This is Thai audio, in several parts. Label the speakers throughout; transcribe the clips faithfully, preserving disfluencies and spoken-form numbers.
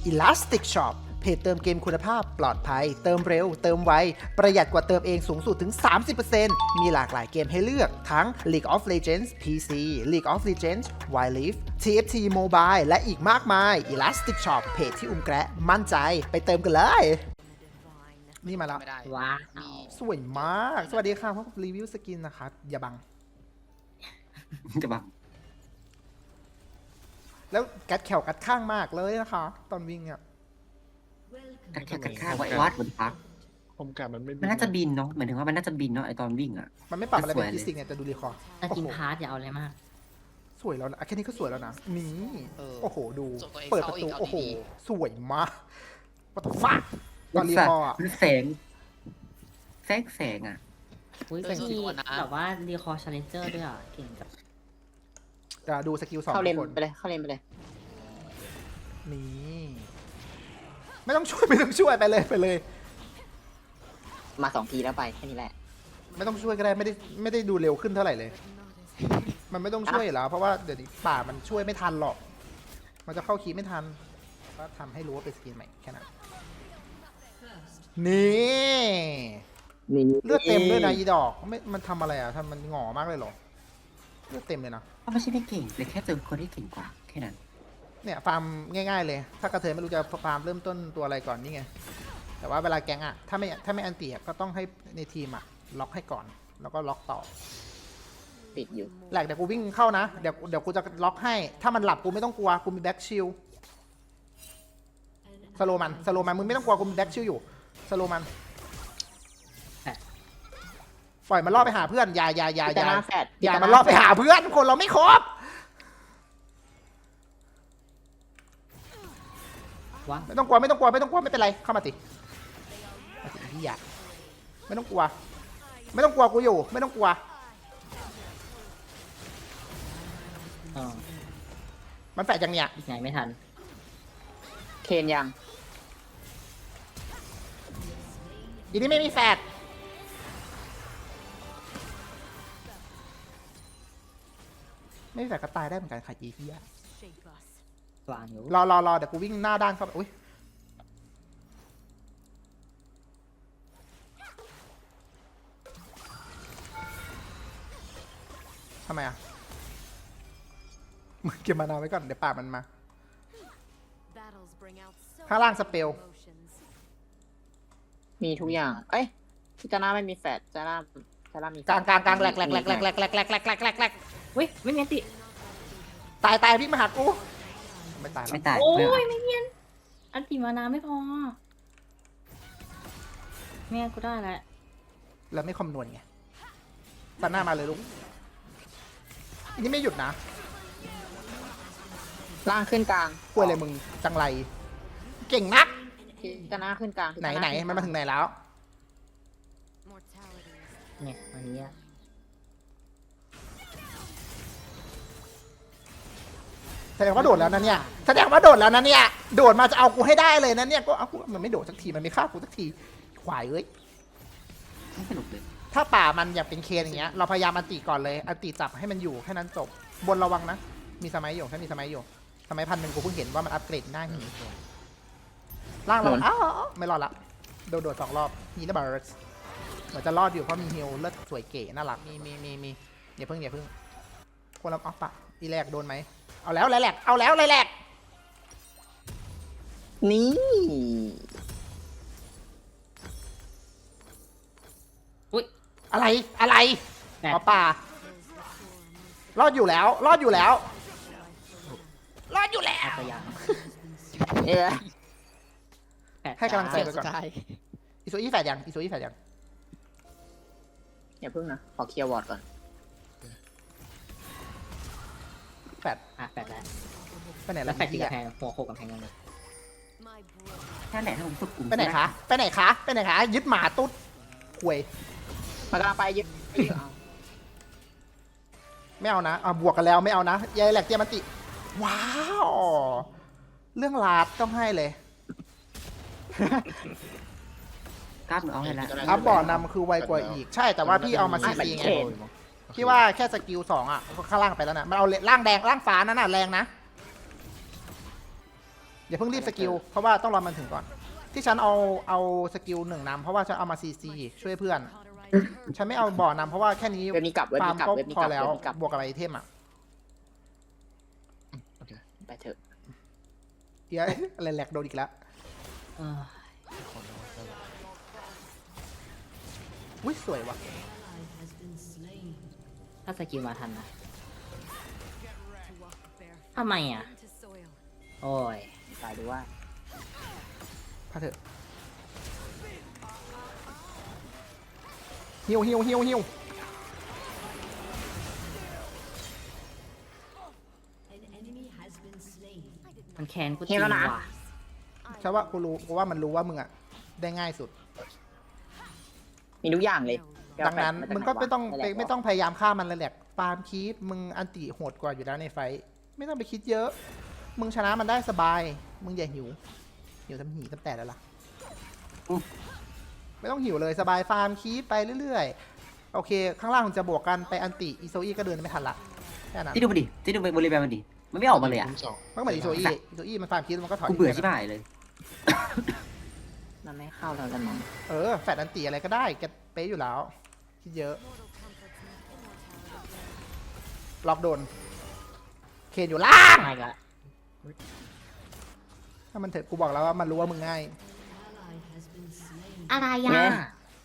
Speaker 1: Elastic Shop เพจเติมเกมคุณภาพปลอดภัยเติมเร็วเติมไวประหยัดกว่าเติมเองสูงสุดถึง สามสิบเปอร์เซ็นต์ มีหลากหลายเกมให้เลือกทั้ง League of Legends พี ซี League of Legends Wild Rift ที เอฟ ที Mobile และอีกมากมาย Elastic Shop เพจที่อุ้มแกะมั่นใจไปเติมกันเลย นี่มาแล้ว
Speaker 2: ไม่ได้
Speaker 3: ว้าว
Speaker 1: สวยมาก สวัสดีค่ะพบกับรีวิวสกินนะครับ อย่าบัง
Speaker 4: จะบัง
Speaker 1: แล้วกัดแขวกัดข้างมากเลยนะคะ ตอนวิ่งอ่ะ
Speaker 4: กัดแค่กัดข้างไว้วัดบนพัก
Speaker 2: ผมกะมันไม่
Speaker 4: มันน่าจะบินเนาะหมายถึงว่ามันน่าจะบินเนาะไอตอนวิ่งอ่ะ
Speaker 1: มันไม่ปรับอะไรเป็น
Speaker 4: สวยเลย
Speaker 1: ฟิสิกส์เนี่ยแต่ดูรีคอร์
Speaker 3: ถ้ากินพาร์ทอย่าเอาอะไรมาก
Speaker 1: สวยแล้วนะแค่นี้ก็สวยแล้วนะ นี่
Speaker 2: เออ
Speaker 1: โอ้โห ดู
Speaker 2: ส่งตัวเอง
Speaker 1: เปิดประ
Speaker 2: เข้าอี
Speaker 1: ตู
Speaker 2: กเอา
Speaker 1: โอ้โห
Speaker 2: ดี
Speaker 1: สวยมากวัตฟ้าตอนรีคอร์อะ
Speaker 4: มันแสงแสงแสงอ่ะ
Speaker 3: อุ้ย
Speaker 2: เออ
Speaker 3: เป็นที่
Speaker 2: สวยนะ
Speaker 3: แบบว่ารีคอร์ชาเลนเจอร์ด้วยอ่ะ เก่งจัง
Speaker 1: จะดูสกิลสอง
Speaker 5: เข้าเลน
Speaker 1: ทุกคน
Speaker 5: ไปเลย เข้าเลนไปเลย
Speaker 1: นี่ ไม่ต้องช่วย ไม่ต้องช่วยไปเลยไปเลย
Speaker 5: มาสองทีแล้วไปแค่นี้แหละ
Speaker 1: ไม่ต้องช่วยก็ได้ไม่ได้ไม่ได้ดูเร็วขึ้นเท่าไหร่เลย มันไม่ต้องช่วยอยู่แล้วเพราะว่าเดี๋ยวนี้ป่ามันช่วยไม่ทันหรอก มันจะเข้าคีย์ไม่ทันก็ทำให้รู้ว่าเป็นสกินใหม่แค่นั้นนี่
Speaker 5: นี่
Speaker 1: เลือดเต็มด้วยนะอีดอกไม่มันทำอะไรอ่ะทำมันหงอมากเลยเหรอเลือดเต็มเลยนะ
Speaker 4: เพราะไม่ใช่ไม่เก่งเลยแค่เจอคนที่เก่งกว่าแค่นั้น
Speaker 1: เนี่ยฟาร์มง่ายๆเลย ถ้ากระเทยไม่รู้จะฟาร์มเริ่มต้นตัวอะไรก่อนนี่ไงแต่ว่าเวลาแกงอ่ะถ้าไม่ถ้าไม่อันตีอ่ะก็ต้องให้ในทีมอ่ะล็อกให้ก่อน แล้วก็ล็อกต่อ
Speaker 5: ติดอยู่
Speaker 1: แหลกเดี๋ยวกูวิ่งเข้านะ เดี๋ยวเดี๋ยวกูจะล็อกให้ ถ้ามันหลับกูไม่ต้องกลัว กูมีแบ็กชิลสโลมันสโลมันมึงไม่ต้องกลัว กูมีแบ็กชิลอยู่สโลมันปล่อยมันล่อไปหาเพื่อน อย่าอย่าอย่าอย่า
Speaker 5: พิจารณาแฟด
Speaker 1: อย่า
Speaker 5: พิจารณา
Speaker 1: มันล่อไปหาเพื่อน คนเราไม่ครบ
Speaker 3: ว้าว
Speaker 1: ไม่ต้องกลัวไม่ต้องกลัวไม่ต้องกลัวไม่เป็นไร เข้ามาติมาติพี่อยากไม่ต้องกลัว ไม่ต้องกลัวกูอยู่ ไม่ต้องกลัว
Speaker 3: อ๋อ
Speaker 1: มันแฝดยังเนี่ย
Speaker 3: อีกไงไม่ทัน
Speaker 5: เคนยัง
Speaker 1: อีนี่ไม่มีแฝดไม่มีแฝดก็ตายได้เหมือนกันค่ะอีพี่อะ
Speaker 3: วางอยู่
Speaker 1: รอรอรอเดี๋ยวกูวิ่งหน้าด้านเข้าไปอุ้ยทำไมอ่ะมึงเก็บมานาวไว้ก่อน เดี๋ยวป่ามันมา ข้างล่างสเปล
Speaker 5: มีทุกอย่าง เอ้ยพิจารณาไม่มีแฟดจาร่าจาร่ามีแฟด
Speaker 1: กลางกลางกลางแหลกแหลกแหลกแหลกแหลกแหลกแหลกแหลกแหลกแหลกแหลก
Speaker 3: อุ้ยไม่มีอันติ
Speaker 1: ตายตายวิ่งมาหากูไม่ตายหร
Speaker 4: ไม่
Speaker 1: อก
Speaker 4: ตาย
Speaker 3: โอ้
Speaker 4: ไม่เอา
Speaker 3: ยไม่เนียนอันติมานาไม่พอแม่กูได้แล้ว
Speaker 1: แล้วไม่คำนวณไงตัดหน้ามาเลยลูกอันนี้ไม่หยุดนะ
Speaker 5: ล่างขึ้นกลาง
Speaker 1: กลัวอะไรมึงจังไร เก่งนัก
Speaker 5: พิจารณาขึ้นกลาง
Speaker 1: ไหนไหนมันมาถึงไหนแล้ว
Speaker 3: เนี่ยอันนี้อะ
Speaker 1: แสดงว่าโดดแล้วนะเนี่ย แสดงว่าโดดแล้วนะเนี่ย โดดมาจะเอากูให้ได้เลยนะเนี่ย ก็เอากูมันไม่โดดสักที มันไม่ฆ่ากูสักที ขวายเอ้ย
Speaker 4: ไม่สนุกเลย
Speaker 1: ถ้าป่ามันอยากเป็นเคนอย่างเงี้ย เราพยายามอันติก่อนเลย อันติจับให้มันอยู่แค่นั้นจบ บนระวังนะ มีสมัยอยู่ถ้ามีสมัยอยู่ สมัยพันหนึ่งกูเพิ่งเห็นว่ามันอัปเกรดได้หีล่างเราอ้าวไม่รอดละ โดดโดดสองรอบฮีนเบิร์สเหมือนจะรอดอยู่เพราะมีฮิลเลิศสวยเก๋น่ารัก มีมีมีมีอย่าเพิ่งอย่าเพิ่งคนละออฟปะอีแรกโดนไหม เอาแล้วไรแหลกเอาแล้วไรแหลก
Speaker 5: นี่
Speaker 3: อุ้ย
Speaker 1: อะไรอะไร
Speaker 3: แปด
Speaker 1: หมอป่า รอดอยู่แล้ว รอดอยู่แล้ว รอดอยู่แล้ว
Speaker 3: เอาตัวอย่าง
Speaker 5: เอ้ย
Speaker 3: แปด
Speaker 1: ให้กำลังใจ
Speaker 3: จ้า
Speaker 1: ไปก่อน อีโซอี้แฝดยังอีโซอี้แฝดยัง
Speaker 5: อย่าพึ่งนะ ขอเคลียร์วอร์ดก่อน
Speaker 1: แฝด
Speaker 3: อ่ะแปดแล้ว
Speaker 1: ไปไหน
Speaker 3: แล้
Speaker 1: แล้ว ว
Speaker 3: แปดที่
Speaker 1: พี่
Speaker 3: กระ
Speaker 1: อะ
Speaker 3: แพงหัวโขกกำแพงกันเลย
Speaker 4: แค่แหละถ้าผมฝึกกลุ่ม
Speaker 1: ไปไหนคะ ไปไหนคะ ไปไหนคะ ยึดหมาตุ๊ดควย
Speaker 5: มากำลังไปยึดเอา
Speaker 1: ไม่เอานะอ่ะบวกกันแล้วไม่เอานะยายแหลกเตรียมมันติ ว้าว เรื่องลาดต้องให้เลย
Speaker 4: กล้ามเอาให้ละ
Speaker 1: อัพบอร์ดนำคือไวกว่าอีก ใช่ แต่ว่าพี่เอามาซีซีไง พี่ว่าแค่สกิลสองอ่ะข้างล่างไปแล้วนะมันเอาล่างแดงล่างฟ้านั่นน่ะแรงนะอย่าเพิ่งรีบสกิลเพราะว่าต้องรอมันถึงก่อน ที่ฉันเอาเอาสกิลหนึ่งนำเพราะว่าฉันเอามาซีซีช่วยเพื่อน ฉันไม่เอาบ่อนำเพราะว่าแค่นี้
Speaker 5: เว็บนี้กลับเว็บ
Speaker 1: ฟาร์ม
Speaker 5: นี้กลับ
Speaker 1: ก็
Speaker 5: เว็บนี้
Speaker 1: พอก
Speaker 5: ลับ
Speaker 1: แล้ว
Speaker 5: เว็บนี้กลับบ
Speaker 1: วกกับไอเทมอ่ะ
Speaker 5: ไปเถอะ
Speaker 1: เดี๋ยว อะไรแหลกโดนอีกแล้ว
Speaker 3: เออ
Speaker 1: อุ้ยสวยว่ะ
Speaker 3: ถ้าสกิลมาทันนะทำไมอ่ะ โอ้ย
Speaker 5: ตายดูว่า
Speaker 1: พาเถอะฮิวฮิวฮิวฮิว
Speaker 3: มันแค้นกูจ
Speaker 5: เห็
Speaker 3: ริ
Speaker 5: น
Speaker 3: ง
Speaker 5: แล้วนะ
Speaker 3: ว่ะ
Speaker 1: ฉันว่ากูรู้กูว่ามันรู้ว่ามึงอ่ะได้ง่ายสุด
Speaker 5: มีทุกอย่างเลย
Speaker 1: ดังนั้น
Speaker 5: แปะาจาก
Speaker 1: มึงก็
Speaker 5: หนวะ
Speaker 1: ไม่ต้อง
Speaker 5: แหละ
Speaker 1: ไม่ต้องพยายามฆ่ามันเลยแหละฟาร์มคีปมึงอันติโหดกว่าอยู่แล้วในไฟท์ไม่ต้องไปคิดเยอะ มึงชนะมันได้สบาย มึงอย่าหิวหิวทำหีทำแต่แล้วล่ะ
Speaker 4: อุ๊ย
Speaker 1: ไม่ต้องหิวเลยสบายฟาร์มคีปไปเรื่อยๆโอเค ข้างล่างมันจะบวกกันไปอันติอีโซอีก็เดินไม่ทันละแค่นั้น
Speaker 4: ที่ดูมันดิที่ดูบริเวณมันดิมันไม่ออกมาเลยอ่ะ
Speaker 1: มันก็เหมือนอีโซอีอีโซอีมันฟาร์มคีปมันก็ถอย
Speaker 4: กูเบื่อชิบหายเลย
Speaker 5: มันไม่เข้าแล้วกันมั้ง
Speaker 1: เออแฟดอันติอะไรก็ได้แกเป๊ะอยู่แล้วคิดเยอะล็อกโดนเคนอยู่ล่าง
Speaker 3: ไม่ละ
Speaker 1: ถ้ามันเถอะกูบอกแล้วว่ามันรู้ว่ามึงง่าย
Speaker 3: อะไรอ่ะ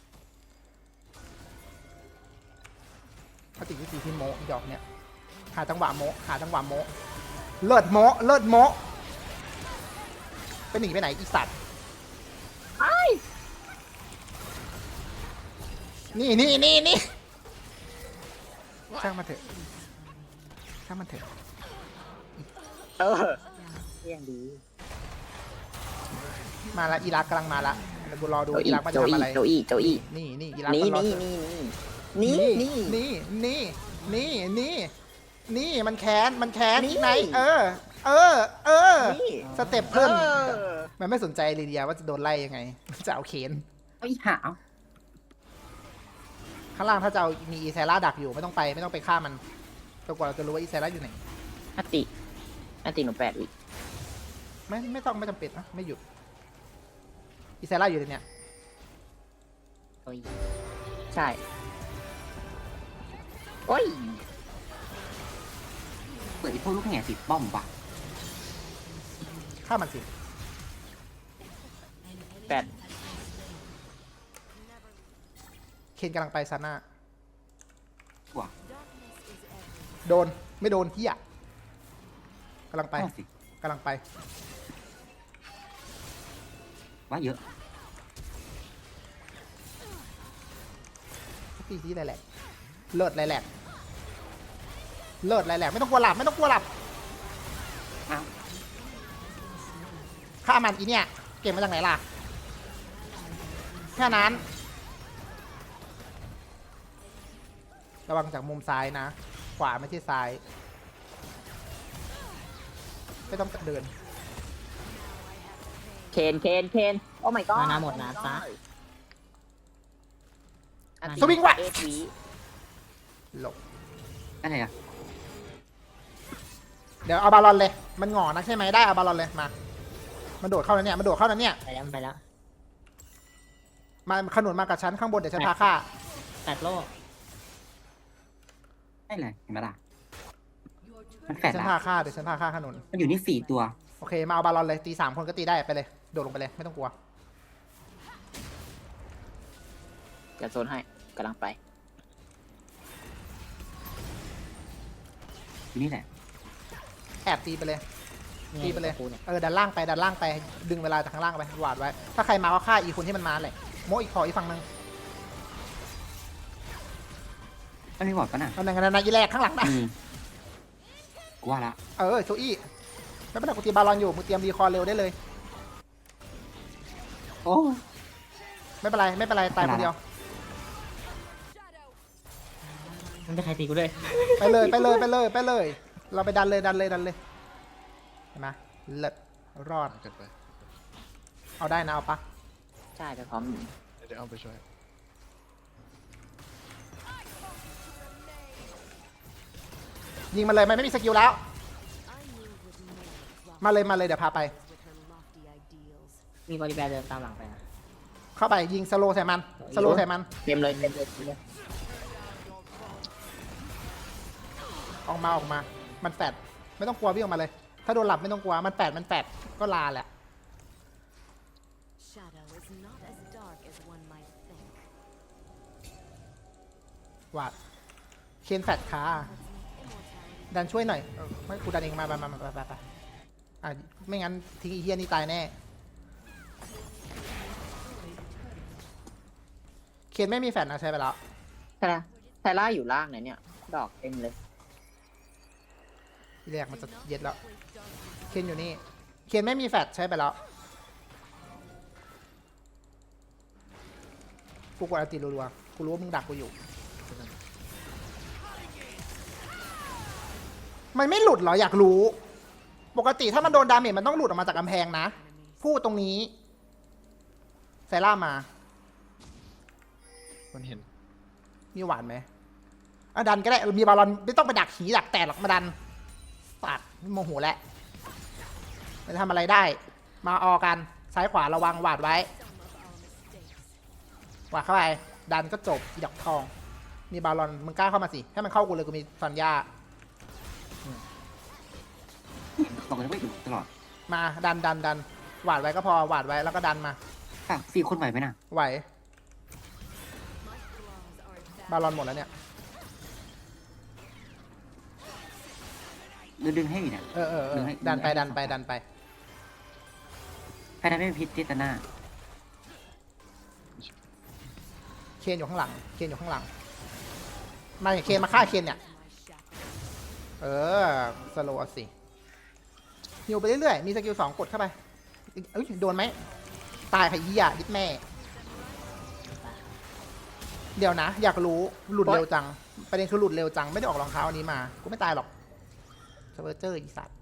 Speaker 1: ถ้าติดวิธีที่โมหยอกเนี่ยหาจังหวะโมหาจังหวะโมเลิศโมเลิศโมไปหนีไปไหนอีสัตว์นี่นี่นี่นี่ช่างมันเถอะช่างมันเถอะ
Speaker 5: เออเที่ยงดี
Speaker 1: มาละอีรักกำลังมาละเดี๋ยวกูรอดู
Speaker 5: โจ
Speaker 1: อี
Speaker 5: อี้
Speaker 1: รักมัน
Speaker 5: โจ
Speaker 1: จะทำ
Speaker 5: อี้
Speaker 1: อะไร
Speaker 5: โจอี้โจอี้
Speaker 1: นี่นี่อีรัก
Speaker 5: นี่
Speaker 1: มันรอ
Speaker 5: นี่นี่นี่นี่นี่
Speaker 1: นี่นี่นี่นี่มันแค้นมันแค้น
Speaker 5: นี่
Speaker 1: ไหนเออ เออ เออ
Speaker 5: นี่
Speaker 1: สเต็ปขึ้น
Speaker 5: เออ
Speaker 1: มันไม่สนใจลีเดียว่าจะโดนไล่ยังไง จะเอาเขน
Speaker 4: ไอ้หา
Speaker 1: ข้างล่างถ้าจะเอามีอีเซล่าดักอยู่ไม่ต้องไปไม่ต้องไปฆ่ามันจนกว่าเราจะรู้ว่าอีเซล่าอยู่ไหน
Speaker 5: อติอติหนูแปดวิ
Speaker 1: ไม่ไม่ต้องไม่จำเป็นนะไม่หยุดอีเซล่าอยู่ในเนี้ย
Speaker 3: โอ้ย
Speaker 5: ใช่โอ้ย
Speaker 4: เปิดไอ้พวกลูกแง่ติดป้อมปะ
Speaker 1: ฆ่ามันสิ
Speaker 5: แปด
Speaker 1: เคนกำลังไปซาน่า
Speaker 4: ว่ะ
Speaker 1: โดนไม่โดนเฮียกำลังไป
Speaker 4: เอาสิ
Speaker 1: กำลังไป
Speaker 4: ว่าเยอะ
Speaker 1: ตีซีไรแหลกเลิศไรแหลกเลิศไรแหลกไม่ต้องกลัวหลับไม่ต้องกลัวหลับ
Speaker 4: อ้าว
Speaker 1: ฆ่ามันอีเนี่ยเก็บมาจากไหนล่ะแค่นั้นระวังจากมุมซ้ายนะ ขวาไม่ใช่ซ้าย ไม่ต้องเดิน
Speaker 5: เคนเคนเคนโอ้ my god
Speaker 3: มานาหมดนะซะ
Speaker 5: อันติ
Speaker 1: สวิงว่ะ
Speaker 5: เอฟวี
Speaker 1: หลบ
Speaker 4: อะไรอ่ะ
Speaker 1: เดี๋ยวเอาบาลอนเลย มันหงอนะใช่ไหมได้เอาบาลอนเลยมา มันโดดเข้าแล้วเนี่ยมันโดดเข้าแล้วเนี่ย
Speaker 3: ไปแล้วไปแล้ว
Speaker 1: มาขนุนมากับฉันข้างบนเดี๋ยวฉันพาฆ่า
Speaker 3: แปดโลก
Speaker 4: ได้เลยเห็นไหมล่ะมันแฝ
Speaker 1: เดี๋ยวฉัน
Speaker 4: ดละ
Speaker 1: พาฆ่าเดี๋ยวฉันพาฆ่าขนุน
Speaker 4: มันอยู่นี่สี่ตัว
Speaker 1: โอเคมาเอาบาลอนเลยตีสามคนก็ตีได้ไปเลยโดดลงไปเลยไม่ต้องกลัว
Speaker 5: จะโซนให้กำลังไป
Speaker 4: อยู่นี่แหละ
Speaker 1: แอบตีไปเลย
Speaker 3: นี่
Speaker 1: ตีไปเลย
Speaker 3: กูเนี่ย
Speaker 1: เออดันล่างไปดันล่างไปดึงเวลาจากข้างล่างไปหวาดไว้ ถ้าใครมาก็ฆ่าอีกคนที่มันมาแหละโมอีกขออีกฝั่งหนึง
Speaker 4: มันไม่บอดปะน่ะ
Speaker 1: เอาหนึ่งกันนะอีแรกข้างหลังนะ
Speaker 4: อืมกูว่าละ
Speaker 1: เออโซอี้ไม่เป็นไรกูตีบาลอนอยู่มึงเตรียมรีคอร์เร็วได้เลย
Speaker 4: โอ้
Speaker 1: ไม่เป็นไรไม่เป็นไรตายคนเดียว
Speaker 3: มันจะใครตีกูด้วย
Speaker 1: ไปเลยไปเลยไปเลยไปเลย เราไปดันเลยดันเลยดันเลยเห็นไหมเลิศรอด
Speaker 2: กันไป
Speaker 1: เอาได้นะเอาปะ
Speaker 5: ใช่ไปพร้อม
Speaker 2: เดี๋ยวเอาไปช่วย
Speaker 1: ยิงมาเลยมันไม่มีสกิลแล้ว มาเลยมาเลยเดี๋ยวพาไป
Speaker 3: มีบริแบร์เดินตามหลังไปนะ
Speaker 1: เข้าไปยิงสโลใส่มันสโลใส่มัน
Speaker 5: เต็มเลยเต็มเลยเต็มเลย
Speaker 1: ออกมาออกมา มันแปดไม่ต้องกลัววิ่งออกมาเลย ถ้าโดนหลับไม่ต้องกลัวมันแปดมันแปดก็ลาแหละวาดเคนแฟดคาดันช่วยหน่อยเออไม่กูดันเองมามามามาไปไปไปอ่ะไม่งั้นทิ้งอีเฮียนี่ตายแน่เคนไม่มีแฟดนะใช่ไปแล้ว
Speaker 5: ใช่ไหมไทล่าอยู่ล่างไหนเนี่ย ดอกเต็มเลย
Speaker 1: ทีแรกมันจะเย็ดแล้ว เคนอยู่นี่ เคนไม่มีแฟดใช้ไปแล้ว กูกดอัลติรัวๆ กูรู้ว่ามึงดักกูอยู่ มันไม่หลุดเหรออยากรู้ ปกติถ้ามันโดนดาเมจมันต้องหลุดออกมาจากกำแพงนะ พูดตรงนี้ไซล่ามา
Speaker 2: มันเห็น
Speaker 1: มีหวานไหมอ่ะดันก็ได้ มีบอลลอนไม่ต้องไปดักขีดักแตกหรอกมาดันปัดโมโหแล้วไม่ทำอะไรได้ มาออกัน ซ้ายขวาระวังหวาดไว้หวาดเข้าไป ดันก็จบดอกทอง มีบอลลอนมึงกล้าเข้ามาสิ ให้มันเข้ากูเลยกูมีสัญญา
Speaker 4: บอกเลยว่าอยู่ตลอด
Speaker 1: มาดันดันดันหวาดไว้ก็พอหวาดไว้แล้วก็ดันมา
Speaker 4: ฝั่งสี่คนไหวไหมน่ะ
Speaker 1: ไหว บอลลอนหมดแล้วเนี่ย
Speaker 4: ดึงดึงให้อยู่เนี่ย
Speaker 1: เออเออเอ
Speaker 4: ดึ
Speaker 1: อง
Speaker 4: ให้
Speaker 1: ดันไป
Speaker 4: ดึงให้
Speaker 1: ดันไป
Speaker 4: สอง
Speaker 1: ดันไป
Speaker 4: ใครได้ไม่มีพิษเจตนา
Speaker 1: เคนอยู่ข้างหลัง เคนอยู่ข้างหลัง มาอย่างเคนมาฆ่าเคนเนี่ย เออ สโลว์สิฮิวไปเรื่อยๆ มีสกิลสองกดเข้าไป เอ้ย โดนไหม ตายค่ะยี่อ่ะดิดแม่ เดี๋ยวนะ อยากรู้ หลุดเร็วจัง ประเด็นคือหลุดเร็วจัง ไม่ได้ออกรองเท้าอันนี้มา กูไม่ตายหรอกเซเวอร์เจอร์อีสัตว์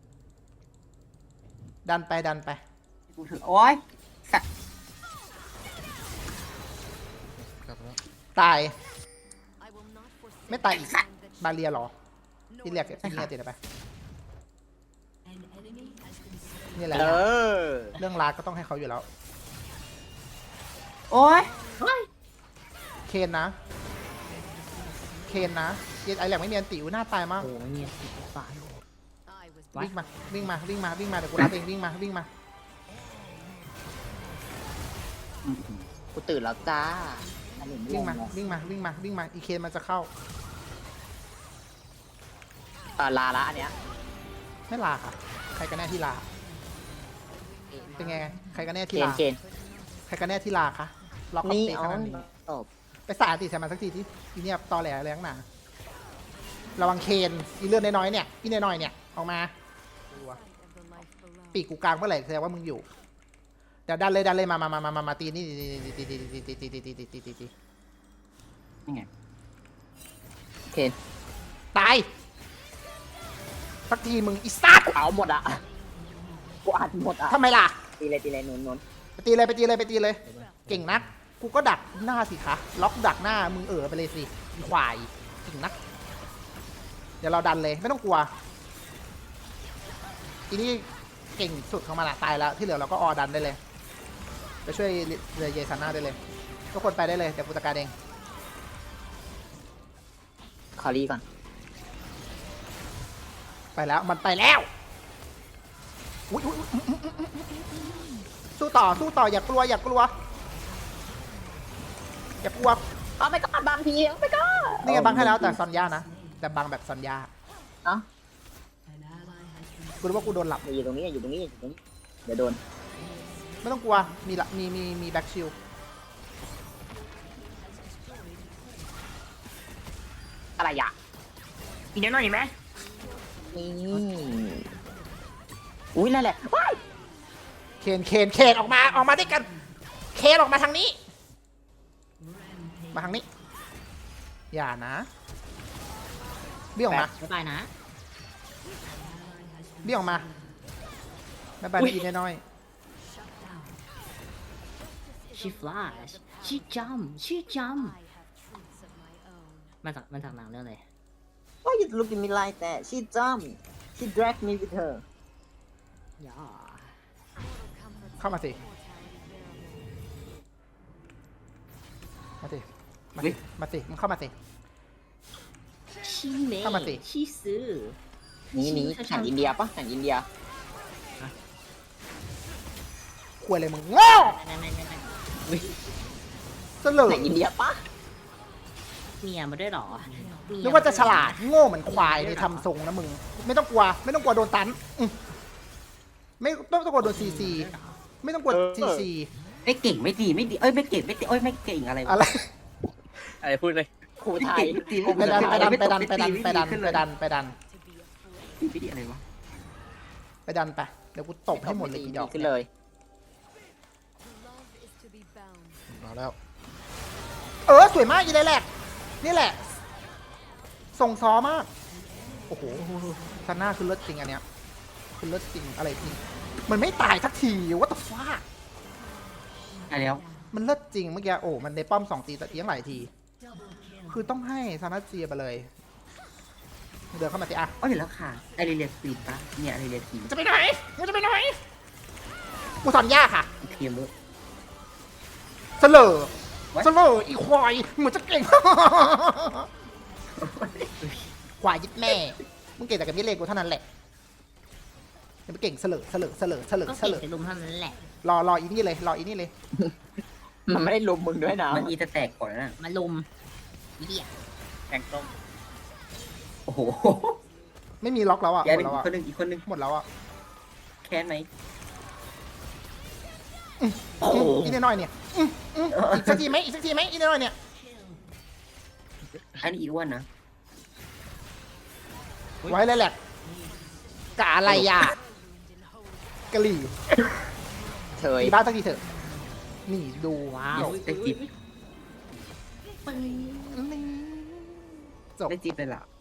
Speaker 1: ดันไปดันไป
Speaker 4: กูถือโอ๊ยสัตว์
Speaker 2: กลับแล้ว
Speaker 1: ตาย ไม่ตายอีก บาเรียเหรอ ที่เรียกที่เรียกติดไป นี่แหละ
Speaker 5: เออ
Speaker 1: เรื่องรากก็ต้องให้เขาอยู่แล้ว
Speaker 4: โอ๊ย
Speaker 1: เคนนะ เคนนะเย็นไอแหลกไม่มีอันติวหน้าตายมาก
Speaker 3: โอ้ไม่มีติดฝา
Speaker 1: วิ่งมา วิ่งมา วิ่งมา วิ่งมา เดี๋ยวกูรับเอง วิ่งมา วิ่งมา
Speaker 4: อืมอืม
Speaker 5: กูตื่นแล้วจ้า อันนี้
Speaker 1: วิ่งมา
Speaker 5: งง
Speaker 1: วิ่งมา วิ่งมา วิ่งมา อีเคนมันจะเข้า
Speaker 5: เออลาละอันเนี้ย
Speaker 1: ไม่ลาค่ะ ใครกันแน่ที่ลา เป็นไง ใครกันแน่
Speaker 5: เก
Speaker 1: ที่
Speaker 5: น
Speaker 1: ลา
Speaker 5: เกน
Speaker 1: ใครกันแน่ที่ลาคะล็อกอัพ
Speaker 5: นี่
Speaker 1: เตะ
Speaker 5: เอา
Speaker 1: ขนาดนี้
Speaker 5: ตบ
Speaker 1: ไปสาดติใส่มันสักทีที่อีเนี่ยตอแหลแรงหนาระวังเคนอีเลือดน้อยๆเนี่ยอีน้อยๆเนี่ยออกมาปีกกูกลางเมื่อไหร่แสดงว่ามึงอยู่เดี๋ยวดันเลยดันเลยมามามามามามาตีนี่ตีตีตีตีตีตีตีตีตีตีตี
Speaker 4: นี่ไง
Speaker 5: เคน
Speaker 1: ตายสักทีมึงอีสัตว์
Speaker 5: เอาหมดอ่ะ กูอัดหมดอ่ะ
Speaker 1: ทำไมล่ะ
Speaker 5: ตีเลยตีเลยหนุนหนุน
Speaker 1: ไปตีเลยไปตีเลยไปตีเลย เก่งนักกูก็ดักหน้าสิคะล็อกดักหน้ามึงเออไปเลยสิอีควายเก่งนักเดี๋ยวเราดันเลยไม่ต้องกลัวทีนี้เก่งสุดของมันละตายแล้วที่เหลือเราก็ออดันได้เลยไปช่วยเรือเยซาน่าได้เลยทุกคนไปได้เลยเดี๋ยวกูจัดการเอง
Speaker 5: คอรี่ก่อน
Speaker 1: ไปแล้วมันไปแล้วอุ๊ยอุ๊ยอุ๊ยอุ๊ยอุ๊ยอุ๊ยสู้ต่อสู้ต่ออย่ากลัวอย่ากลัวอย่ากลัว
Speaker 5: เอาไปก่อนบางทีเอาไปก่อน
Speaker 1: นี่ไงบังให้แล้วแต่ซอนย่านะแต่บังแบบซอนย่า
Speaker 5: เอ้า
Speaker 1: กูรู้ว่ากูโดนหลับ
Speaker 5: อยู่ตรงนี้อยู่ตรงนี้อยู่ตรงนี้ เดี๋ยวโดน
Speaker 1: ไม่ต้องกลัวมีละมีมีมีแบ็กชิล
Speaker 5: อะไรอ่ะ
Speaker 3: อีกนิดหน่อยไหม
Speaker 5: นี่อุ้ยนั่นแหละว้าย
Speaker 1: เคนเคนเคนออกมาออกมาด้วยกันเคนออกมาทางนี้ มาทางนี้ อย่านะเบี้ยออกมา
Speaker 3: บ๊ายบายนะ
Speaker 1: เบี้ยออกมาแม่บ้านกินน้อย
Speaker 3: she flash she jump she jump มันจากมันจากหนังเรื่องอะไร
Speaker 5: Why you look at me like that she jumped she dragged me with her
Speaker 3: ย่า
Speaker 1: เข้ามาสิมาสิมาสิมาสิมึงเข้ามาสิ
Speaker 3: ชีเม
Speaker 1: เข้ามาสิ
Speaker 3: ชีซื้อ
Speaker 5: หนี้นี้แข่งอินเดียปะแข่งอินเดีย
Speaker 1: ควยเลยมึงโง่
Speaker 3: นั่นนั่นนั่นนั่น
Speaker 1: เสลอ
Speaker 5: แข่งอินเดียปะ
Speaker 3: เมียมาด้วยเหรอเมีย
Speaker 1: นึกว่าจะฉลาดโง่เหมือนควายในทำทรงนะมึง ไม่ต้องกลัว ไม่ต้องกลัวโดนตันอืมไม่ต้องต้องกลัวโดนซีซีไม่ต้องกลัวซีซี
Speaker 4: ไม่เก่งไม่ดีไม่ดีเอ้ยไม่เก่งไม่ดีเอ้ยไม่เก่งอะไรวะ
Speaker 1: อะไร
Speaker 2: อะไรพูดเลย
Speaker 5: ครู
Speaker 4: ไม่
Speaker 5: ไทย
Speaker 4: เก่งไม่ดี
Speaker 1: ไปดันไปดันไปดันไปดันไปดันไปดันไปดัน
Speaker 4: ไม่ดีอะไรวะ
Speaker 1: ไปดันไปเดี๋ยวกูตบให้หมดเลยกี่ดอก
Speaker 5: ขึ้นเลย
Speaker 1: เอาแล้ว เออสวยมากยีเลยแหละนี่แหละส่งซ้อมากโอ้โหซันน่าคือเลิศจริงอันเนี้ยคือเลิศจริงอะไรจริงมันไม่ตายสักทีว่าแต่ฟ้า
Speaker 4: อะไรแล้ว
Speaker 1: มันเลิศจริงเมื่อกี้โอ้มันในป้อมสองตีแต่เอียงหลายที คือต้องให้ซานาเจียไปเลยเดินเข้ามาสิอะ
Speaker 4: อ๋อเห็นแล้วค่ะไอเรียสปีดปะเนี่ยไอเรียสปีด
Speaker 1: จะไปไหนจะไปไหนกูสอนยากค่ะ
Speaker 4: เทียมเลย
Speaker 1: เสลอเสลออีควายเหมือนจะเก่ง ควายยึดแม่มึงเก่งแต่กับมิเลกูเท่านั้นแหละยังไม่เก่งเสลอเสลอเสลอเสลอ
Speaker 3: ก็
Speaker 1: เส
Speaker 3: เก่ง
Speaker 1: ลอ
Speaker 3: แต่ลุมเท่านั้นแหละ
Speaker 1: รอรออีนี่เลยรออีนี่เลย
Speaker 5: มันไม่ได้ลุมมึงด้วยนะ
Speaker 4: มันอีจะแตกก่อนนะ
Speaker 3: มาลุมเหี้ย
Speaker 2: แกงต้ม
Speaker 4: โอ้โห
Speaker 1: ไม่มีล็อกแล้วอ่ะห
Speaker 4: แก
Speaker 1: ม
Speaker 4: ห
Speaker 1: ด
Speaker 4: นึ่ง
Speaker 1: แล้ว
Speaker 4: อี
Speaker 1: อ่ะ
Speaker 4: กคนหนึ่งอีกคนหนึ่ง
Speaker 1: หมดแล้วอ่ะ
Speaker 4: แค้นไหม
Speaker 1: อีนี่น้อยเนี่ยอืมอืมอีกสักทีไหมอีกสักทีไหมอีนี่น้อยเนี่ย
Speaker 4: อันนี้อีอ้วนนะ
Speaker 1: ไว้เลยแหละกะอะไรอ่ะกะหรี่
Speaker 5: เฉย
Speaker 1: ตีบ้านสักทีเถอะนี่ดูว้าว
Speaker 4: ได้จิ๊บ
Speaker 1: นี่จบ
Speaker 4: ได้จิ๊บเลยล่ะ